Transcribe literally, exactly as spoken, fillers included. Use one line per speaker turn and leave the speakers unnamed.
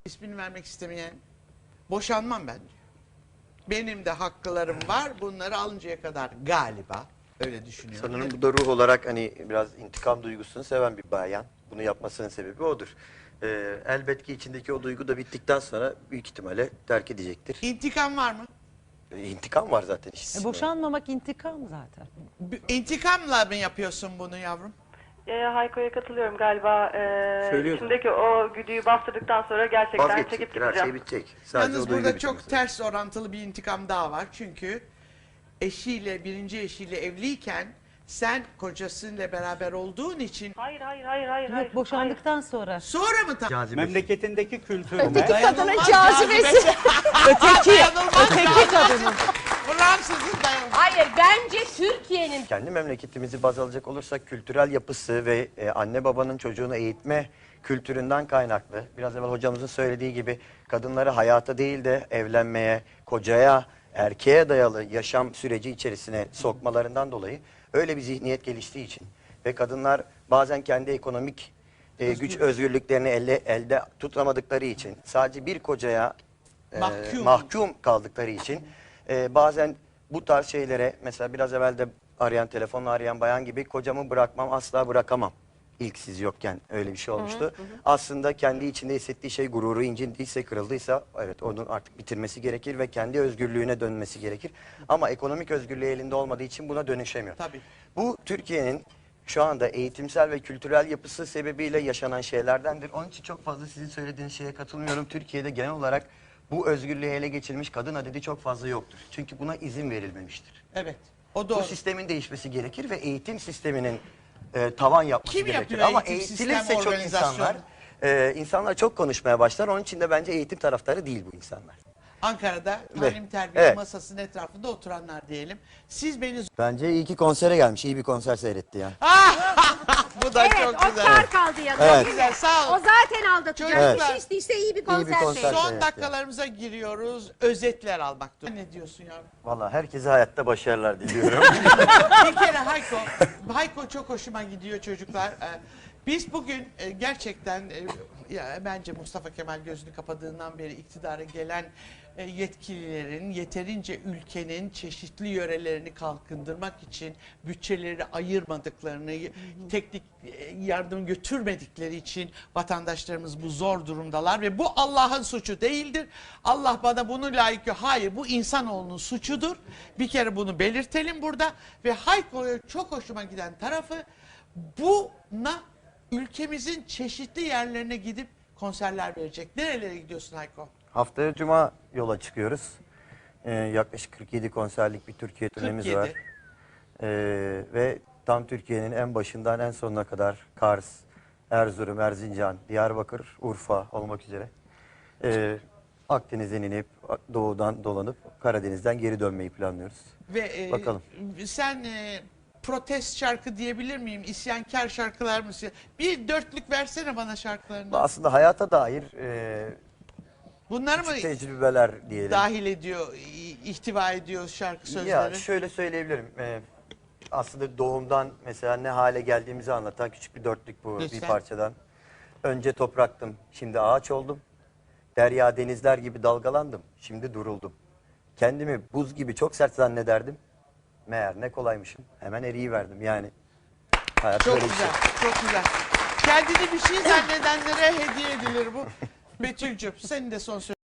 İsmini vermek istemeyen boşanmam ben diyor. Benim de haklarım var. Bunları alıncaya kadar galiba öyle düşünüyorum.
Sanırım bu da ruh olarak hani biraz intikam duygusunu seven bir bayan. Bunu yapmasının sebebi odur. Ee, elbet ki içindeki o duygu da bittikten sonra büyük ihtimalle terk edecektir.
İntikam var mı?
Ee, intikam var zaten işte.
E, boşanmamak intikam zaten.
B- İntikamla mı yapıyorsun bunu yavrum?
E, Hayko'ya katılıyorum galiba. E,
Söylüyorum.
içimdeki o güdüyü bastırdıktan sonra gerçekten çekip
Vazgeçecektir, her
gideceğim.
şey bitecek. Sadece
Yalnız
o duygu
burada
bitmek
çok
üzere.
ters orantılı bir intikam daha var. Çünkü eşiyle, birinci eşiyle evliyken sen kocasıyla beraber olduğun için
Hayır hayır hayır hayır. hayır.
Yok, boşandıktan sonra.
sonra mı tam?
Cazibesi.
Memleketindeki kültürüne
Öteki kadının
Dayanılmaz
cazibesi. Öteki,
Dayanılmaz
öteki kadının.
Fransızın dayanılmaz.
Hayır, bence Türkiye'nin
Kendi memleketimizi baz alacak olursak kültürel yapısı ve e, anne babanın çocuğunu eğitme kültüründen kaynaklı. Biraz evvel hocamızın söylediği gibi kadınları hayata değil de evlenmeye, kocaya, erkeğe dayalı yaşam süreci içerisine sokmalarından dolayı öyle bir zihniyet geliştiği için ve kadınlar bazen kendi ekonomik e, güç özgürlüklerini elde, elde tutamadıkları için sadece bir kocaya e,
Mahkum.
mahkum kaldıkları için e, bazen bu tarz şeylere mesela biraz evvel de arayan telefonla arayan bayan gibi kocamı bırakmam asla bırakamam. İlk siz yokken öyle bir şey olmuştu. Aslında kendi içinde hissettiği şey gururu incindiyse, kırıldıysa evet onun artık bitirmesi gerekir ve kendi özgürlüğüne dönmesi gerekir. Ama ekonomik özgürlüğü elinde olmadığı için buna dönüşemiyor.
Tabii.
Bu Türkiye'nin şu anda eğitimsel ve kültürel yapısı sebebiyle yaşanan şeylerdendir. Onun için çok fazla sizin söylediğiniz şeye katılmıyorum. Türkiye'de genel olarak bu özgürlüğü ele geçirmiş kadın adedi çok fazla yoktur. Çünkü buna izin verilmemiştir.
Evet. O
Bu
doğru.
sistemin değişmesi gerekir ve eğitim sisteminin e, tavan yapması
Kim
gerekir.
yapıyor
Ama
eğitim
eğitilirse
sistem
çok
organizasyonu?
insanlar, e, insanlar çok konuşmaya başlar. Onun için de bence eğitim taraftarı değil bu insanlar.
Ankara'da
Ve-
talim terbiye
evet.
masasının etrafında oturanlar diyelim. Siz beni...
Bence iyi ki konsere gelmiş, iyi bir konser seyretti ya.
Bu da
evet,
çok
o
güzel.
kar kaldı yanında.
Evet.
değil mi?
Güzel, sağ
O
ol.
zaten aldatacak.
Evet.
Bir şey isteyse iyi bir konser,
konser.
seyredin.
Son
Evet,
dakikalarımıza giriyoruz. Özetler almak durumunda. Ne diyorsun yavrum?
Vallahi herkese hayatta başarılar diliyorum.
Bir kere Hayko, Hayko çok hoşuma gidiyor çocuklar. Ee, Biz bugün e, gerçekten e, ya bence Mustafa Kemal gözünü kapadığından beri iktidara gelen e, yetkililerin yeterince ülkenin çeşitli yörelerini kalkındırmak için bütçeleri ayırmadıklarını, teknik e, yardım götürmedikleri için vatandaşlarımız bu zor durumdalar ve bu Allah'ın suçu değildir. Allah bana bunu layık yok. Hayır, bu insanoğlunun suçudur. Bir kere bunu belirtelim burada ve Hayko'ya çok hoşuma giden tarafı buna ülkemizin çeşitli yerlerine gidip konserler verecek. Nerelere gidiyorsun Hayko?
Haftaya Cuma yola çıkıyoruz. Ee, yaklaşık kırk yedi konserlik bir Türkiye turnemiz
kırk yedi.
var. Ee, ve tam Türkiye'nin en başından en sonuna kadar Kars, Erzurum, Erzincan, Diyarbakır, Urfa olmak üzere. Ee, Akdeniz'den inip doğudan dolanıp Karadeniz'den geri dönmeyi planlıyoruz.
Ve e,
Bakalım.
sen e, protest şarkı diyebilir miyim? İsyankar şarkılar mı? Bir dörtlük versene bana şarkılarını.
Aslında hayata dair e,
Bunları mı
küçük tecrübeler diyelim.
dahil ediyor, i- ihtiva ediyor şarkı sözleri?
Ya şöyle söyleyebilirim. Ee, aslında doğumdan mesela ne hale geldiğimizi anlatan küçük bir dörtlük bu
Lütfen.
bir parçadan. Önce topraktım, şimdi ağaç oldum. Derya denizler gibi dalgalandım, şimdi duruldum. Kendimi buz gibi çok sert zannederdim. Meğer ne kolaymışım, hemen eriyiverdim yani. Hayat
Çok
böyle bir şey.
güzel, çok güzel. Kendini bir şey zannedenlere hediye edilir bu. Betül'cüm senin de son sözün.